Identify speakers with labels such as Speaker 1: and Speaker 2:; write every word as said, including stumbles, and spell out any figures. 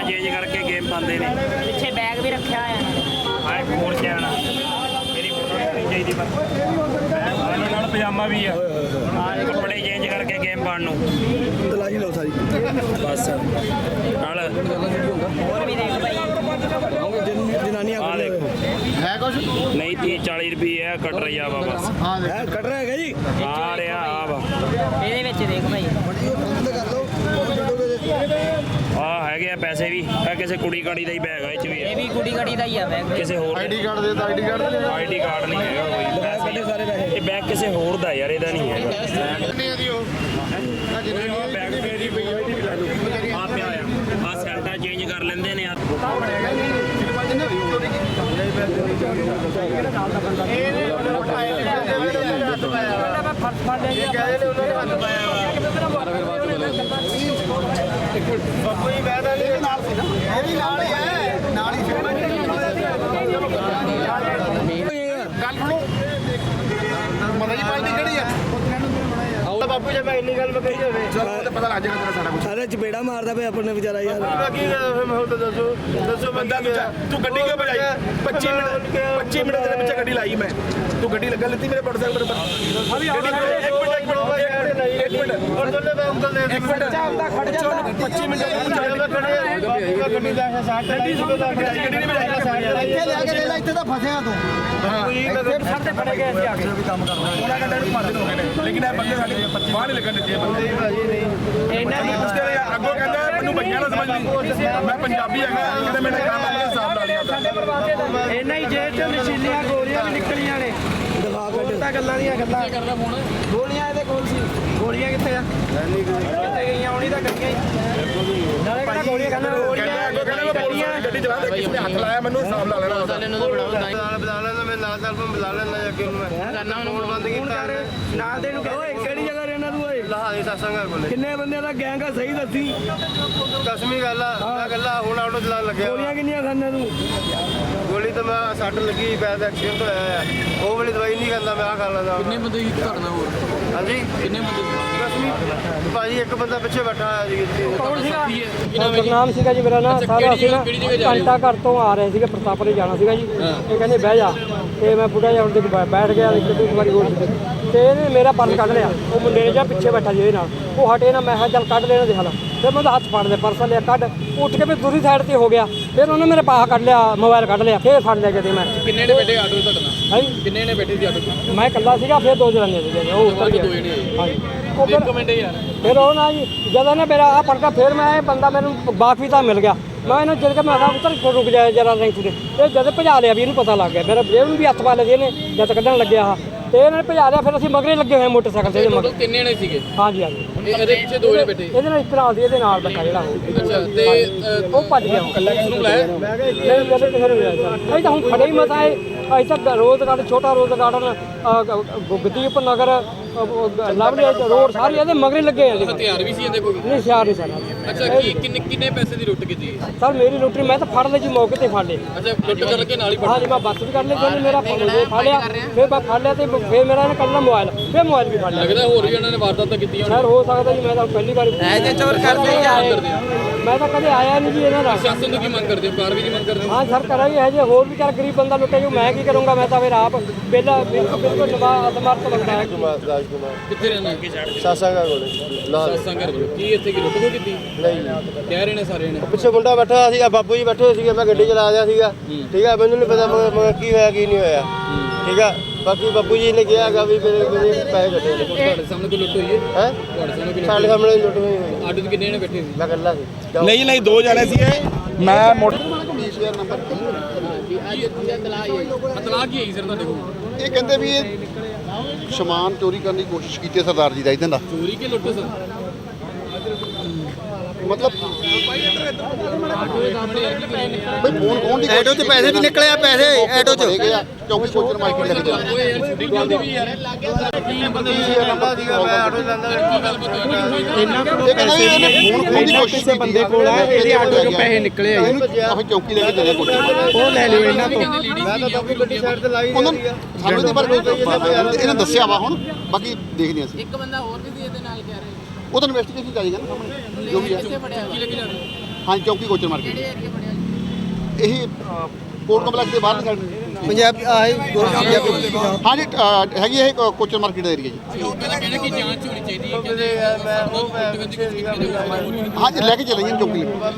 Speaker 1: Change करके game पाते हैं।
Speaker 2: ਪਿੱਛੇ बैग भी रखा है
Speaker 1: हाँ फोर चैन मेरी फोटो नहीं चाहिए पर पजामा भी है कपड़े चेंज करके गेम पाने
Speaker 3: तलाशी लो सारी
Speaker 1: बस नाल
Speaker 2: और भी देख भाई
Speaker 3: जनानियां
Speaker 1: आ देखो
Speaker 3: है कुछ
Speaker 1: नहीं तीस चालीस रुपये है कट रही है बस
Speaker 3: हाँ कट रहा है जी
Speaker 1: आ रहा आ वा
Speaker 2: ਇਹਦੇ ਵਿੱਚ ਦੇਖ ਭਾਈ
Speaker 1: ਆ ਹੈਗੇ ਆ ਪੈਸੇ ਵੀ ਇਹ ਕਿਸੇ ਕੁੜੀ ਕਾੜੀ ਦਾ ਹੀ ਬੈਗ ਆ ਇਹ ਚ ਵੀ
Speaker 2: ਇਹ ਵੀ ਕੁੜੀ ਕੜੀ ਦਾ ਹੀ ਆ ਬੈਗ
Speaker 1: ਕਿਸੇ ਹੋਰ
Speaker 3: ਆਈਡੀ ਕਾਰਡ ਦੇ ਤਾਂ ਆਈਡੀ ਕਾਰਡ ਦੇ
Speaker 1: ਆਈਡੀ ਕਾਰਡ ਨਹੀਂ ਹੈਗਾ ਕੋਈ ਪੈਸੇ
Speaker 3: ਸਾਰੇ ਪੈਸੇ
Speaker 1: ਇਹ ਬੈਗ ਕਿਸੇ ਹੋਰ ਦਾ ਯਾਰ ਇਹਦਾ ਨਹੀਂ ਹੈਗਾ
Speaker 3: ਕਿੰਨੇ ਦੀ ਉਹ
Speaker 1: ਬੈਗ ਪੇ ਦੀ ਪਈ ਹੋਈ ਵੀ ਲੈ ਲਓ ਆ ਪਿਆ ਆ ਆ ਸੈਲਟਾ ਚੇਂਜ ਕਰ ਲੈਂਦੇ ਨੇ ਯਾਰ
Speaker 3: ਬਾਪੂ ਜੀ ਬੈਠਾ ਨਹੀਂ ਨਾਲ ਸੀ ਨਾ ਇਹ ਵੀ ਨਾਲ ਹੀ ਹੈ ਨਾਲ ਹੀ ਗੱਲ ਸੁਣੋ ਮਨ ਜੀ ਪਾਈ ਕਿਹੜੀ ਆ ਬਾਪੂ ਜੀ ਮੈਂ ਇੰਨੀ ਗੱਲ ਮੈਂ ਕਹੀ ਹੋਵੇ ਚਲੋ ਤੇ ਪਤਾ ਲੱਗ ਜਾਏਗਾ ਤੇਰਾ ਸਾਰਾ ਕੁਝ
Speaker 4: ਸਾਰੇ ਚਪੇੜਾ ਮਾਰਦਾ ਪਿਆ ਆਪਣੇ ਵਿਚਾਰਾ ਯਾਰ
Speaker 3: ਕੀ ਹੁਣ ਤਾਂ ਦੱਸੋ ਦੱਸੋ ਬੰਦਾ ਤੂੰ ਗੱਡੀ ਕਿਉਂ ਭਜਾਈ ਪੱਚੀ ਮਿੰਟ ਪੱਚੀ ਮਿੰਟ ਦੇ ਪਿੱਛੇ ਗੱਡੀ ਲਾਈ ਮੈਂ ਤੂੰ ਗੱਡੀ ਲੱਗਾ ਲੱਤੀ ਮੇਰੇ ਮੋਟਰਸਾਈਕਲ ਪਰ ਅਭੀ ਇੱਕ ਮਿੰਟ ਇੱਕ ਮਿੰਟ ਇੱਕ ਮਿੰਟ ਔਰ ਦੋਨੇ ਮੈਂ ਅੰਕਲ ਦੇ ਇੱਕ ਮਿੰਟ ਚੱਲਦਾ ਖੜ ਜਾ ਪੱਚੀ ਮਿੰਟ ਗੱਡੀ ਦਾ ਸਾਈਡ ਗੱਡੀ ਨਹੀਂ ਭਜਾਈ ਸਾਈਡ ਇੱਥੇ ਲੈ ਕੇ ਲੈ ਇੱਥੇ ਤਾਂ ਫਸਿਆ ਤੂੰ ਇੱਥੇ ਸਭ ਤੇ ਫੜੇ ਗਏ ਅਸੀਂ ਆ ਕੇ ਵੀ ਕੰਮ ਕਰਨਾ ਪੂਰਾ ਘੰਟਾ ਨੂੰ ਮਾਰਨ ਹੋ ਗਏ ਨੇ ਲੇਕਿਨ ਇਹ ਬੰਦੇ ਸਾਡੇ ਬਾਹਰ ਨਹੀਂ ਲੱਗਣ ਦਿੱਤੇ ਬੰਦੇ ਭਾਜੀ ਨਹੀਂ ਇਹਨਾਂ ਦੀ ਮੁਸ਼ਕਿਲ ਹੈ ਅੱਗੋਂ ਕਹਿੰਦਾ ਮੈਨੂੰ ਭਈਆ ਨਾ ਸਮਝ ਲਈ ਮੈਂ ਪੰਜਾਬੀ ਹੈਗਾ ਕਿਤੇ ਮੈਨੇ ਕੰਮ ਆਪਣੇ ਹਿਸਾਬ ਨਾਲ ਲਿਆ
Speaker 4: ਇਹਨਾਂ ਹੀ ਜੇਬ ਚੋਂ ਨਸ਼ੀਲੀਆਂ ਗੋਲੀਆਂ ਵੀ ਨਿਕਲੀਆਂ ਨੇ ਦਿਖਾ ਕੱਢ ਗੱਲਾਂ ਦੀਆਂ ਗੱਲਾਂ ਕਰਦਾ ਫੋਨ ਗੋਲੀਆਂ ਇਹਦੇ ਕੋਲ ਸੀ ਗੋਲੀਆਂ ਕਿੱਥੇ ਆ ਕਿੱਥੇ ਗਈਆਂ ਹੁਣੀ ਤਾਂ ਗੱਡੀਆਂ ਹੀ ਨਾਲੇ ਕਿਹੜਾ ਗੋਲੀਆਂ ਕਹਿੰਦਾ ਗੋਲੀਆਂ
Speaker 3: ਅੱਗੋਂ ਕਹਿੰਦਾ ਮੈਂ ਪੁਲਿਸ ਗੱਡੀ ਚਲਾ ਦੇ ਕਿਸੇ ਨੇ ਹੱਥ ਲਾਇਆ ਮੈਨੂੰ ਹਿਸਾਬ ਲਾ ਲੈਣਾ ਉਹਦਾ
Speaker 5: ਬੁਲਾ ਲੈਣਾ ਮੈਂ ਨਾਲ ਚੱਲ ਬੁਲਾ ਲੈਣਾ ਅੱਗੇ ਨੂੰ ਮੈਂ ਕਰਨਾ ਹੁਣ ਬੰਦ ਕੀਤਾ
Speaker 4: ਨਾਲ ਦੇ ਨੂੰ ਕਹੋ ਕਿਹੜੀ ਜਗ੍ਹਾ ਰਹਿਣਾ ਤੂੰ ਓਏ
Speaker 5: ਲਹਾਈ ਸਾਸਾਂਗਾ ਕੋਲੇ
Speaker 4: ਕਿੰਨੇ ਬੰਦਿਆਂ ਦਾ ਗੈਂਗ ਆ ਸਹੀ ਦੱਸੀ
Speaker 5: ਕਸਮੀ ਗੱਲ ਆ ਮੈਂ ਗੱਲਾਂ ਹੁਣ ਆਟੋ ਚਲਾਉਣ ਲੱਗਿਆ
Speaker 4: ਗੋਲੀਆਂ ਕਿੰਨੀਆਂ ਖਾਂਦਾ ਤੂੰ
Speaker 5: ਗੋਲੀ ਤਾਂ ਮੈਂ ਸੱਟ ਲੱਗੀ ਪੈਰ ਦਾ ਐਕਸੀਡੈਂਟ ਹੋਇਆ ਆ ਉਹ ਵਾਲੀ ਦਵਾਈ ਨਹੀਂ ਖਾਂਦਾ ਮੈਂ ਆ ਖਾ ਲੈਂਦਾ
Speaker 6: ਕਿੰਨੇ ਬੰਦੇ ਕੀ ਘਟਨਾ ਹੋਰ
Speaker 5: ਹਾਂਜੀ
Speaker 6: ਕਿੰਨੇ ਬੰਦੇ
Speaker 5: ਕਸਮੀ ਭਾਜੀ ਇੱਕ ਬੰਦਾ ਪਿੱਛੇ ਬੈਠਾ ਹੋਇਆ ਸੀ
Speaker 4: ਕੌਣ ਸੀਗਾ ਗੁਰਨਾਮ ਸੀਗਾ ਜੀ ਮੇਰਾ ਨਾਂ ਸਾਰਾ ਅਸੀਂ ਨਾ ਘੰਟਾ ਘਰ ਤੋਂ ਆ ਰਹੇ ਸੀਗੇ ਪ੍ਰਤਾਪਰੇ ਜਾਣਾ ਸੀਗਾ ਜੀ ਇਹ ਕਹਿੰਦੇ ਬਹਿ ਜਾ ਤੇ ਮੈਂ ਬੁੱਢਾ ਜਿਹਾ ਉੱਤੇ ਬੈਠ ਗਿਆ ਇੱਕ ਵਾਰੀ ਹੋਰ ਤੇ ਇਹਨੇ ਮੇਰਾ ਪਰਸ ਕੱਢ ਲਿਆ ਉਹ ਮੁੰਡੇ ਨੇ ਜਾਂ ਪਿੱਛੇ ਬੈਠਾ ਜੀ ਇਹਦੇ ਨਾਲ ਉਹ ਹਟੇ ਨਾ ਮੈਂ ਕਿਹਾ ਚੱਲ ਕੱਢ ਲੈਣਾ ਦੇਖ ਲਾ ਫਿਰ ਮੈਂ ਉਹਦਾ ਹੱਥ ਫੜ ਲਿਆ ਪਰਸ ਲਿਆ ਕੱਢ ਉੱਠ ਕੇ ਫਿਰ ਦੂਰੀ ਸਾਈਡ ਤੇ ਹੋ ਗਿਆ ਫਿਰ ਉਹਨੇ ਮੇਰੇ ਪਾਸ ਕੱਢ ਲਿਆ ਮੋਬਾਈਲ ਕੱਢ ਲਿਆ ਫਿਰ ਫੜ ਲਿਆ ਕਿਤੇ ਮੈਂ
Speaker 6: ਕਿੰਨੇ ਨੇ ਬੈਠੇ ਆਟੋ ਤੁਹਾਡੇ ਨਾਲ
Speaker 4: ਹਾਂਜੀ
Speaker 6: ਕਿੰਨੇ ਨੇ ਬੈਠੇ ਸੀ ਆਟੋ 'ਚ
Speaker 4: ਮੈਂ ਇਕੱਲਾ ਸੀਗਾ ਫਿਰ ਦੋ ਜਣੇ ਸੀਗੇ ਉਹ ਉੱਤਰ
Speaker 6: ਦੋ
Speaker 4: ਗਿਆ
Speaker 6: ਜਣੇ
Speaker 4: ਹਾਂਜੀ ਉਹ ਫਿਰ
Speaker 6: ਇੱਕ ਮਿੰਟ ਯਾਰ
Speaker 4: ਫਿਰ ਉਹ ਨਾ ਜੀ ਜਦੋਂ ਨੇ ਮੇਰਾ ਆ ਪੜਕਾ ਫਿਰ ਮੈਂ ਇਹ ਬੰਦਾ ਮੈਨੂੰ ਬਾਕੀ ਤਾਂ ਮਿਲ ਗਿਆ ਮੈਂ ਇਹਨੂੰ ਜਦ ਕਿ ਮੈਂ ਆਹ ਉੱਤਰ ਰੁਕ ਜਾਏ ਜਰਾ ਰੈਂਕ ਤੇ ਇਹ ਜਦ ਭਜਾ ਲਿਆ ਵੀ ਇਹਨੂੰ ਪਤਾ ਲੱਗ ਗਿਆ ਮੇਰਾ ਜੇਬ ਨੂੰ ਵੀ ਹੱਥ ਪਾ ਲਿਆ ਇਹਨੇ ਜਦ ਕੱਢਣ ਲੱਗਿਆ ਆ ਤੇ ਇਹਨਾਂ ਨੇ ਭਜਾ ਲਿਆ ਫਿਰ ਅਸੀਂ ਮਗਰੇ ਲੱਗੇ ਹੋਏ ਮੋਟਰਸਾਈਕਲ ਤੇ ਇਹਦੇ ਮਗਰ
Speaker 6: ਕਿੰਨੇ ਨੇ ਸੀਗੇ
Speaker 4: ਹਾਂਜੀ ਹਾਂਜੀ
Speaker 6: ਇਹਦੇ ਪਿੱਛੇ ਦੋ ਜਣੇ ਬੈਠੇ
Speaker 4: ਇਹਦੇ ਨਾਲ ਇੱਕ ਨਾਲ ਦੀ ਇਹਦੇ ਨਾਲ ਬੈਠਾ ਜਿਹੜਾ ਉਹ
Speaker 6: ਅੱਛਾ ਤੇ
Speaker 4: ਉਹ ਭੱਜ ਗਿਆ
Speaker 6: ਕੱਲਾ ਕਿਸ ਨੂੰ ਬੁਲਾਇਆ
Speaker 4: ਨਹੀਂ ਜਦੋਂ ਕਿਸੇ ਨੂੰ ਮਿਲਿਆ ਅਸੀਂ ਤਾਂ ਹੁਣ ਖੜੇ ਹੀ ਮਤਾ ਹੈ ਅਸੀਂ ਤਾਂ ਰੋਜ਼ ਗਾਰਡਨ ਛੋਟਾ rose garden Gugdeep Nagar lovely road ਸਾਰੇ ਇਹਦੇ ਮਗਰੇ ਲੱਗੇ ਆ ਜੀ
Speaker 6: ਹਥਿਆਰ ਵੀ ਸੀ ਇਹਦੇ ਕੋਲ
Speaker 4: ਨਹੀਂ ਸਿਆਰ ਨਹੀਂ ਸਾਡਾ
Speaker 6: ਅੱਛਾ ਕੀ ਕਿੰਨੇ ਕਿੰਨੇ ਪੈਸੇ ਦੀ ਲੁੱਟ ਕੀਤੀ
Speaker 4: ਸਰ ਮੇਰੀ ਲੁੱਟਰੀ ਮੈਂ ਤਾਂ ਫੜ ਲਈ ਜੀ ਮੌਕੇ ਤੇ ਫੜ ਲਈ
Speaker 6: ਅੱਛਾ ਲੁੱਟ ਕਰਕੇ ਨਾਲ ਹੀ ਫੜ
Speaker 4: ਹਾਂਜੀ ਮੈਂ ਬੱਸ ਵੀ ਕਰ ਲਈ ਫਿਰ ਮੇਰਾ ਫੜ ਲਿਆ ਫਿਰ ਮੈਂ ਫੜ ਲਿਆ ਤੇ ਫਿਰ ਮੇਰਾ ਇਹਨੇ ਕੱਢਣਾ ਮੋਬਾਈਲ ਫਿਰ ਮੋਬਾਈਲ ਵੀ ਫੜ ਲਿਆ
Speaker 6: ਲੱਗਦਾ ਹੋਰ ਵੀ ਇਹਨਾਂ ਨੇ ਵਾਰਦਾਤਾਂ ਕੀਤੀਆਂ
Speaker 4: ਸਰ ਹੋ ਸਕਦਾ ਜੀ ਮੈਂ ਤਾਂ ਪਹਿਲੀ ਵਾਰ
Speaker 2: ਐਸੇ ਚੋਰ ਕਰਦੇ ਹੀ ਆਏ
Speaker 4: ਮੈਂ ਤਾਂ ਕਦੇ ਆਇਆ ਨਹੀਂ ਜੀ ਇਹਨਾਂ ਦਾ
Speaker 6: ਸ਼ਾਸਨ ਨੂੰ ਕੀ ਮੰਗ ਕਰਦੇ ਹੋ ਕਾਰਵਾਈ ਦੀ ਮੰਗ ਕਰਦੇ ਹੋ
Speaker 4: ਹਾਂ ਸਰ ਕਰਾਂਗੇ ਇਹ ਜੇ ਹੋਰ ਵੀ ਚਾਰ ਗਰੀਬ ਬੰਦਾ ਲੁੱਟੇ ਜੋ ਮੈਂ ਕੀ ਕਰੂੰਗਾ ਮੈਂ ਤਾਂ ਫਿਰ ਆਪ ਪਹਿਲਾਂ ਬਿਲਕੁਲ ਨਵਾ ਅਸਮਰਥ ਬੰਦਾ ਹੈ
Speaker 6: ਕਿੱਥੇ ਰਹਿਣਾ
Speaker 5: ਸਾਸਾਂਗਾ ਕੋਲੇ
Speaker 6: ਸਾਸਾਂ ਘਰ ਕੋਲ ਕੀ ਇੱਥੇ ਕੀ ਲੁੱਟ ਖੋ ਕੀਤੀ
Speaker 5: ਨਹੀਂ
Speaker 6: ਕਹਿ ਰਹੇ ਨੇ ਸਾਰੇ ਨੇ
Speaker 5: ਪਿੱਛੇ ਮੁੰਡਾ ਬੈਠਾ ਸੀਗਾ ਬਾਪੂ ਜੀ ਬੈਠੇ ਸੀਗੇ ਮੈਂ ਗੱਡੀ ਚਲਾ ਰਿਹਾ ਸੀਗਾ ਠੀਕ ਆ ਮੈਨੂੰ ਨਹੀਂ ਪਤਾ ਮਗਰ ਕੀ ਹੋਇਆ ਕੀ ਨਹੀਂ ਹੋਇਆ ਠੀਕ ਆ ਬਾਕੀ ਬਾਪੂ ਜੀ ਨੇ ਕਿਹਾ ਹੈਗਾ ਵੀ ਮੇਰੇ ਮੇਰੇ ਪੈਸੇ ਕੱਟੇ ਨੇ
Speaker 6: ਤੁਹਾਡੇ ਸਾਹਮਣੇ ਕੋਈ ਲੁੱਟ ਹੋਈ ਹੈ
Speaker 5: ਹੈ
Speaker 6: ਤੁਹਾਡੇ ਸਾਹਮਣੇ ਕੋਈ
Speaker 5: ਸਾਡੇ ਸਾਹਮਣੇ ਲੁੱਟ ਹੋਈ ਹੋਈ
Speaker 6: ਆਟੋ 'ਚ ਕਿੰਨੇ ਨੇ ਬੈਠੇ ਸੀ
Speaker 5: ਮੈਂ ਇਕੱਲਾ ਸੀ
Speaker 3: ਨਹੀਂ ਨਹੀਂ ਦੋ ਜਣੇ ਸੀ ਇਹ ਮੈਂ ਮੋਟਰ
Speaker 6: ਇਤਲਾਹ ਕੀ ਹੈ ਸਰ ਤੁਹਾਡੇ ਕੋਲ
Speaker 7: ਇਹ ਕਹਿੰਦੇ ਵੀ ਇਹ ਸਮਾਨ ਚੋਰੀ ਕਰਨ ਦੀ ਕੋਸ਼ਿਸ਼ ਕੀਤੀ ਹੈ ਸਰਦਾਰ ਜੀ ਦਾ ਇਦਾਂ ਦਾ
Speaker 6: ਚੋਰੀ ਕੇ ਲੁੱਟ ਸਰ
Speaker 7: ਮਤਲਬ ਬਈ ਫੋਨ ਖੋਣ ਦੀ ਐਟੋ 'ਚ ਪੈਸੇ ਵੀ ਨਿਕਲੇ ਆ ਪੈਸੇ ਐਟੋ 'ਚ ਚੌਕੀ ਕੋਚਰ ਮਾਰਕੀਟ ਲੱਗ ਗਿਆ
Speaker 6: ਓਏ ਯਾਰ ਛੁੱਟੀ ਗੱਲ ਵੀ ਯਾਰ ਕੀ ਬੰਦੇ
Speaker 5: ਲੰਬਾ ਸੀਗਾ ਮੈਂ ਆਟੋ ਲੈਂਦਾ
Speaker 6: ਕੀ ਗੱਲ ਪਤਾ ਹੋਈ
Speaker 7: ਇਹਨਾਂ ਕੋਲ ਪੈਸੇ ਇਹਨੇ ਫੋਨ ਖੋਣ ਦੀ ਕੋਸ਼ਿਸ਼ ਕੀਤੀ ਬੰਦੇ ਕੋਲ ਆ ਇਹਦੇ ਆਟੋ 'ਚੋਂ ਪੈਸੇ ਨਿਕਲੇ ਆ ਅਸੀਂ ਚੌਕੀ ਲੈ ਕੇ ਦੇ ਕੋਚਰ
Speaker 4: ਉਹ ਲੈ ਲਿਓ ਇਹਨਾਂ ਤੋਂ
Speaker 5: ਮੈਂ ਤਾਂ ਬਾਪੂ ਗੱਡੀ ਸਾਈਡ ਤੇ ਲਾਈ
Speaker 7: ਉਹਨਾਂ ਸਾਨੂੰ ਇਹਦੇ ਬਾਰੇ ਇਹਨਾਂ ਦੱਸਿਆ ਵਾ ਹੁਣ ਬਾਕੀ ਦੇਖਦੇ ਅਸੀਂ
Speaker 2: ਇੱਕ ਬੰਦਾ ਹੋਰ ਵੀ ਸੀ ਇਹਦੇ ਨਾਲ ਕਹਿ ਰਹੇ
Speaker 7: ਉਹ ਤਾਂ ਇਨਵੈਸਟੀਗੇਸ਼ਨ ਚਾਹੀਦਾ ਨਾ ਸਾਹਮਣੇ ਜੋ ਵੀ ਹੈ
Speaker 6: ਕੀ ਲੱਗ ਜਾਣਾ
Speaker 7: ਹਾਂਜੀ ਚੌਂਕੀ ਕੋਚਰ ਮਾਰਕੀਟ ਇਹੀ ਅ, ਕੋਟ ਕੰਪਲੈਕਸ ਦੇ ਬਾਹਰ ਸਾਈਡ
Speaker 5: ਪੰਜਾਬ ਆਹੀ
Speaker 7: ਹਾਂਜੀ ਅ, ਹੈਗੀ ਇਹ ਕੋ- ਕੋਚਰ ਮਾਰਕੀਟ ਦਾ ਏਰੀਆ ਜੀ
Speaker 6: ਕਹਿੰਦੇ ਕਿ ਜਾਂਚ ਹੋਣੀ ਚਾਹੀਦੀ ਹੈ
Speaker 5: ਮੈਂ ਉਹ ਮੈਂ ਪਿੱਛੇ ਸੀਗਾ
Speaker 7: ਹਾਂਜੀ ਲੈ ਕੇ ਚਲੇ ਜੀ ਚੌਂਕੀ